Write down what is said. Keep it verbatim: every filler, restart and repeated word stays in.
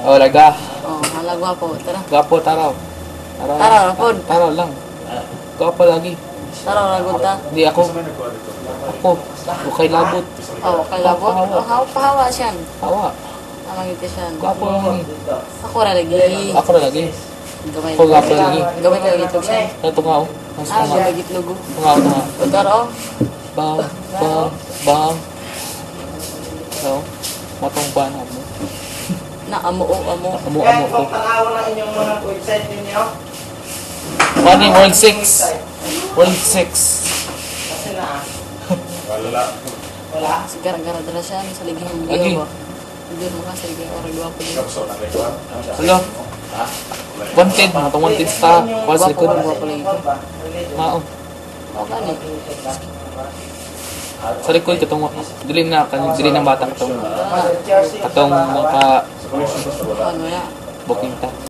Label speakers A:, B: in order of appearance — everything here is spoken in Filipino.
A: Oh, laga.
B: Oh, hala gwapo. Tara.
A: Gwapo, taraw. Taraw.
B: Taraw, pod.
A: Taraw lang. Gwapo lagi.
B: Tara, lagot ta.
A: Hindi ako. Ako. Okay labot.
B: Oh, kalabot.
A: Pahawa.
B: Oh, hawa pahawa siyan.
A: Hawa.
B: Amang ito siyan.
A: Gwapo lang.
B: Ako ra lagi.
A: Ako na lagi.
B: Gamay.
A: Ako gwapo lagi.
B: Gamay ka itlog siya.
A: Ito nga oh. Mas
B: Ah,
A: nga.
B: gamay itlog.
A: Ito nga ito nga.
B: O tara oh.
A: Bang, bang, bang. So, matong banat mo.
B: Na amo o amo.
A: Amo, amo ko.
C: Tanawan lang inyong mga website ninyo.
A: Money, World six. World six.
C: Kasi na.
D: Wala.
C: Wala.
B: Gara-gara dala siya sa ligihang
A: Lagi.
B: biyo ba? Hindi mo ka sa ligihang oray gwapo din.
D: Kapso na rin.
A: Hello? Wanted, matong wanted sa Pulse
B: Gwapo
A: Record.
B: ba gwapo lagi ko?
A: Mao.
B: O gani.
A: Sa likod katong dilim na kan dilim ng bata katong
B: Ah,
A: katong naka
B: ano ya?
A: booking ta.